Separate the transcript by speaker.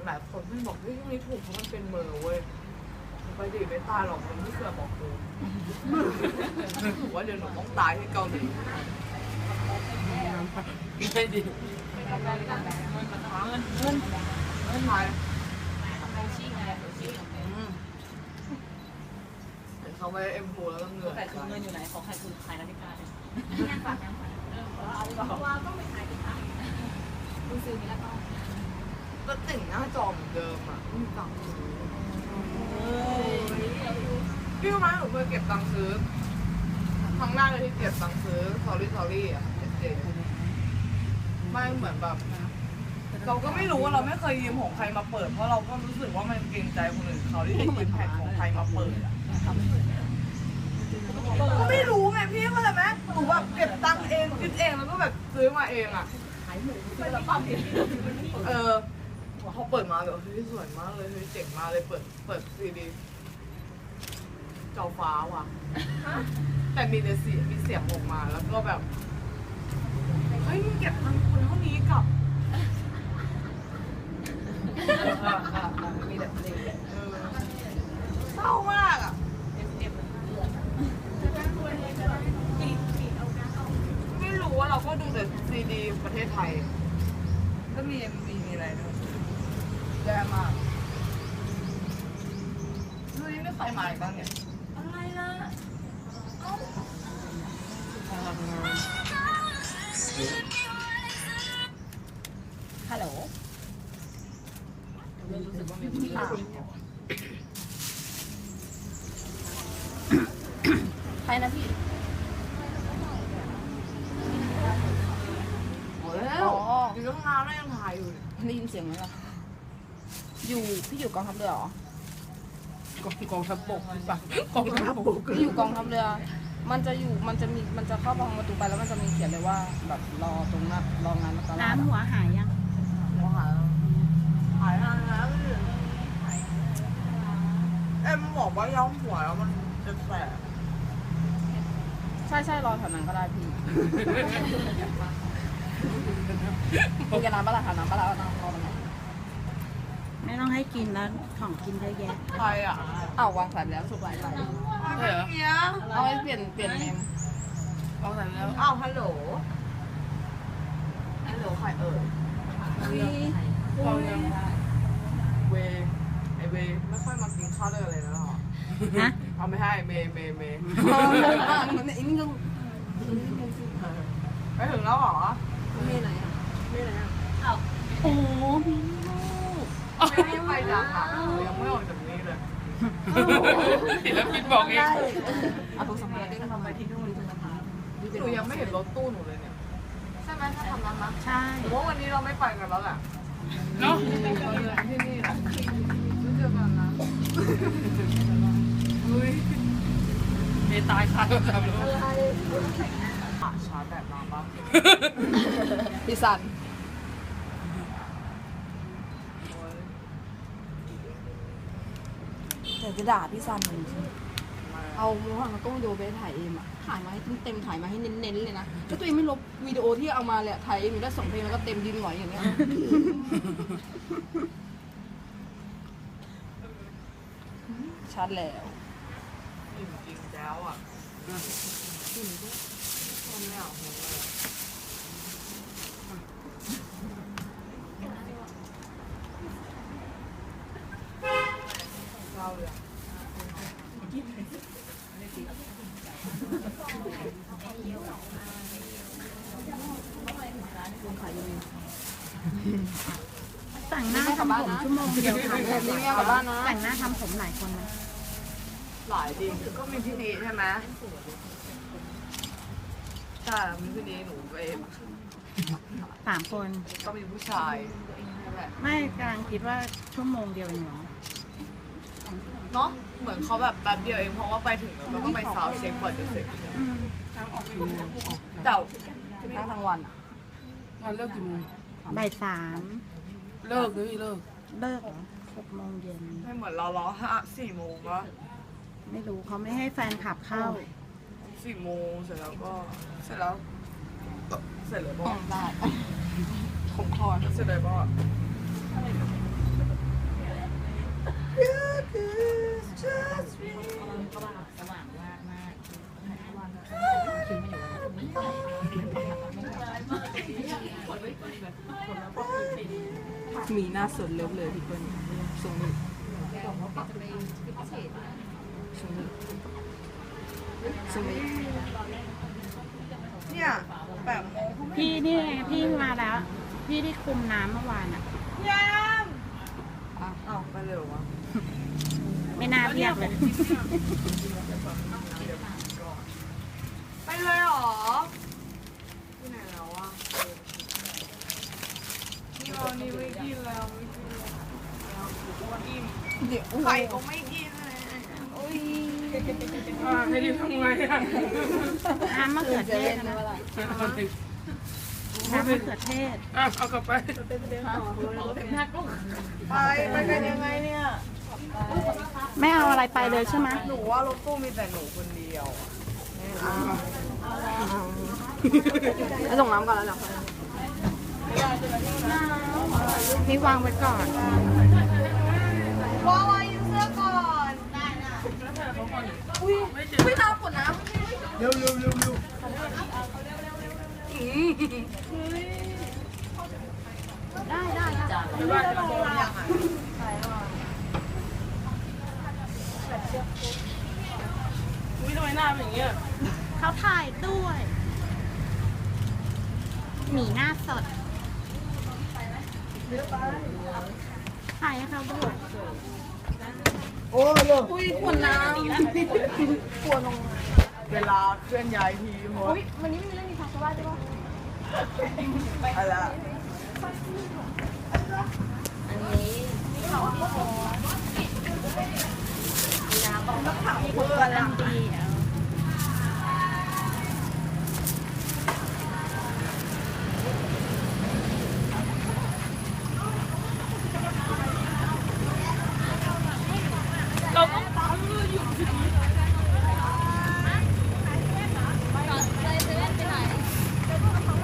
Speaker 1: หลายคนไม่บอกว่าช่วงนี้ถูกเพราะมันเป็นเมอร์เว้ยไปดิไม่ตายหรอกมันไม่เชื่อบอกกูถือว่าเดี๋ยวหนูต้องตายที่เกาหลีไม่ดีเงินไทยเห็นเขาไปเอ็มโฟแล้วก็เงิน
Speaker 2: แต่คือเงินอยู่ไหนขอใครคือขายนาฬิกาเนี่ยยังฝากว่าต้องไปขายที่ขายคุณซื้อมีแล้วก็
Speaker 1: ติ่งหน้าจอเหมือนเดิมอ่ะไม่มีตังค์ซื้อพี่รู้ไหมหนูเคยเก็บตังค์ซื้อครั้งแรกเลยที่เก็บตังค์ซื้อ sorry อ่ะเจ๊ไม่เหมือนแบบเราก็ไม่รู้ว่าเราไม่เคยยืมของใครมาเปิดเพราะเราก็รู้สึกว่ามันเกรงใจคนอื่นเขาที่จะยืมแผ่นของใครมาเปิดอ่ะก็ไม่รู้ไงพี่เข้าใจไหมหนูแบบเก็บตังค์เองคิดเองแล้วก็แบบซื้อมาเองอ่ะขายหมูซื้อแล้วปั๊มเขาเปิดมาแบบเฮ้ยสวยมากเลยเฮ้ยเจ๋งมากเลยเปิดซีดีจอฟ้าว่ะแต่มีแต่เสียงออกมาแล้วก็แบบเฮ้ยมึงเก็บตังค์คนเท่านี้กับมีแต่เพลงเศร้ามากอ่ะไม่รู้ว่าเราก็ดูแต่ซีดีประเทศไทยก็มี MV มีอะไรด้วยแย่มากดูนี่ไม่ใครมาอีกบ้างเนี่ยอะไรล่ะ
Speaker 2: ฮัลโหลรู้สึกว่ามีคนถามใครนะพี่
Speaker 1: โอ้แล้วอยู่ตั้งนานแล้วยังถ่ายอยู่
Speaker 2: ได้ยินเสียงไหมล่ะพี่อยู่กองทัพเรือเหรอก
Speaker 1: องทัพบกป่ะกองทัพบก
Speaker 2: พี่อยู่กองทัพเรือมันจะเข้าทางประตูไปแล้วมันจะมีเขียนเลยว่าแบบรอตรงนั้นรองานตลาด
Speaker 3: น้ำหัวหายยัง
Speaker 1: หายนานแล้วเอ็มบอกว่าย้อมหัวแล้วมันจะแสบ
Speaker 2: ใช่รอแถวนั้นก็ได้พี่คุณจะน้ำปลาค่ะน้ำปลาน้ำรอตรงไหน
Speaker 3: ไม่ต้องให้กินแล้วของกินเยอะแยะ
Speaker 1: ใครอ่ะ
Speaker 2: อ้าววางสายไปแล้วสุกหลาย
Speaker 1: เหรอ
Speaker 2: เอาไว้เปลี่ยนเมม
Speaker 1: ลองสั่นแล้วอ้าวฮัลโหลใครเอ่ยเรายังเวไอเวไม่ค่อยมากินข้าวด้วยอะไรแล้วหรอ
Speaker 3: ฮะ
Speaker 1: เอาไม่ให้เมย์
Speaker 2: มันไอ้นี่ก็
Speaker 1: ไปถึงแล้วเหรอ
Speaker 2: มีไหนอ่ะ
Speaker 3: โอ้มี
Speaker 1: ไม่ไปจังอ่ะยังไม่ออกจากนี้เลย
Speaker 4: ศิลปินบอกเอง
Speaker 2: เอาโทรศัพท์มาได้ทำไปที่นู่นจะมาถาม
Speaker 1: หนูยังไม่เห็นรถตู้หนูเลยเนี่ยใช่ไหมถ้าทำนั้นนะ
Speaker 3: ใช่
Speaker 1: หนูว่าวันนี้เราไม่ไปกันแล้วแหละ
Speaker 4: เนาะ
Speaker 1: ที่นี่แหละไม่เจอกันนะเฮ้ย
Speaker 4: เมตายค่ะก็ทำแล้ว
Speaker 1: ชาร์จแบบมาบ้าง
Speaker 2: พี่สันแต่จะด่าพี่ซันจริงๆเอาโมหังกล้องวิดีโอไปถ่ายเองอะถ่ายมาให้เต็มถ่ายมาให้เน้นๆเลยนะแล้วตัวเองไม่ลบวิดีโอที่เอามาเลยถ่ายเองมีได้2 เพลงแล้วก็เต็มยืนหงอยอย่างเงี้ยชัดแล้ว
Speaker 1: จริงๆแล้วอ่ะมันไม่เอาหัวเลยเราเลย
Speaker 3: แต่งหน้าทำผมชั่วโมงเดียวค่ะ
Speaker 2: แบบนี้ไม่เอากลับบ้านนะ
Speaker 3: แต่งหน้าทำผมหลายคนไหม
Speaker 1: หลายดีก็มีพี่ดีใช่ไหมใช่มีพี่ดีหนูไป
Speaker 3: 3 คน
Speaker 1: ก็มีผู้ชายนั่นแหละ
Speaker 3: ไม่กำลังคิดว่าชั่วโมงเดียวเองเหรอ
Speaker 1: เนาะเหมือนเขาแบบแป๊บเดียวเองเพราะว่าไปถึงแล้วก็ต้องไปซาวด์เช็คก่อนจะเสร็จ
Speaker 3: อืม
Speaker 1: เจ้า
Speaker 2: ทั้งวันอะ
Speaker 4: งานเลิกกี่โมง
Speaker 3: บ่าย
Speaker 4: เลิกเลยเลิก
Speaker 3: 3เลิกเหรอ6 โมงเย็น
Speaker 1: ไม่เหมือนเรา4 โมงวะ
Speaker 3: ไม่รู้เขาไม่ให้แฟนขับเข้า
Speaker 1: 4 โมงเสร็จแล้วเสร็จเลยบ่
Speaker 2: ได้ผมคอ
Speaker 1: เสร็จเลยบ่
Speaker 2: มีหน้าสดเลิฟเลยพี่เปิ้ลทรงนี้ทรงนี้ทรงนี้
Speaker 1: เนี่ยแบบโมง
Speaker 3: พี่นี่ไงพี่มาแล้ว พี่ที่คุมน้ำเมื่อวานอ่ะ
Speaker 1: ยามอ้าวไปเร็ววะ
Speaker 3: ไม่น่าเรียกเลย
Speaker 1: ไปเลยเหรอที่ไหนแล้ววะนี่เรานี่ไม่กินแล้วไม่กินแล้วอิ่ม
Speaker 2: เดี๋ยว
Speaker 1: ไข่ก็ไม่กินเลย
Speaker 4: ให้ดีทำไงอ่ะ
Speaker 3: น้ำมะเขือเทศนะ น้ำมะเขือเทศ
Speaker 4: เอากลับไป
Speaker 1: ไปกันยังไงเนี่ย
Speaker 3: ไม่เอาอะไรไปเลยใช่ไหม
Speaker 1: หนูว่ารถตู้มีแต่หนูคนเดียว
Speaker 2: ไปส่งน้ำก่อนแล้วเหรอ
Speaker 3: นี่วางไว้ก่อน
Speaker 1: วายืมเสื้อก่อนไม่น้ำกดน้ำ
Speaker 4: เร็วเร็วเร็วเร็ว
Speaker 2: ได้ได้ได้
Speaker 4: อุ้ยทำไมหน้าเป็นอย่างเงี้ย
Speaker 3: เขาถ่ายด้วย หมีหน้าสด ถ่ายให้เขาด้วย
Speaker 2: อุ้ยขวดน้ำขวดลง
Speaker 1: เวลาเคลื่อนย้ายทีม
Speaker 2: อุ้ยวันนี้ไม่มีเรื่องมีทางชาวบ้านใช่ปะ
Speaker 1: อะไร
Speaker 3: กำลังดีอ่ะ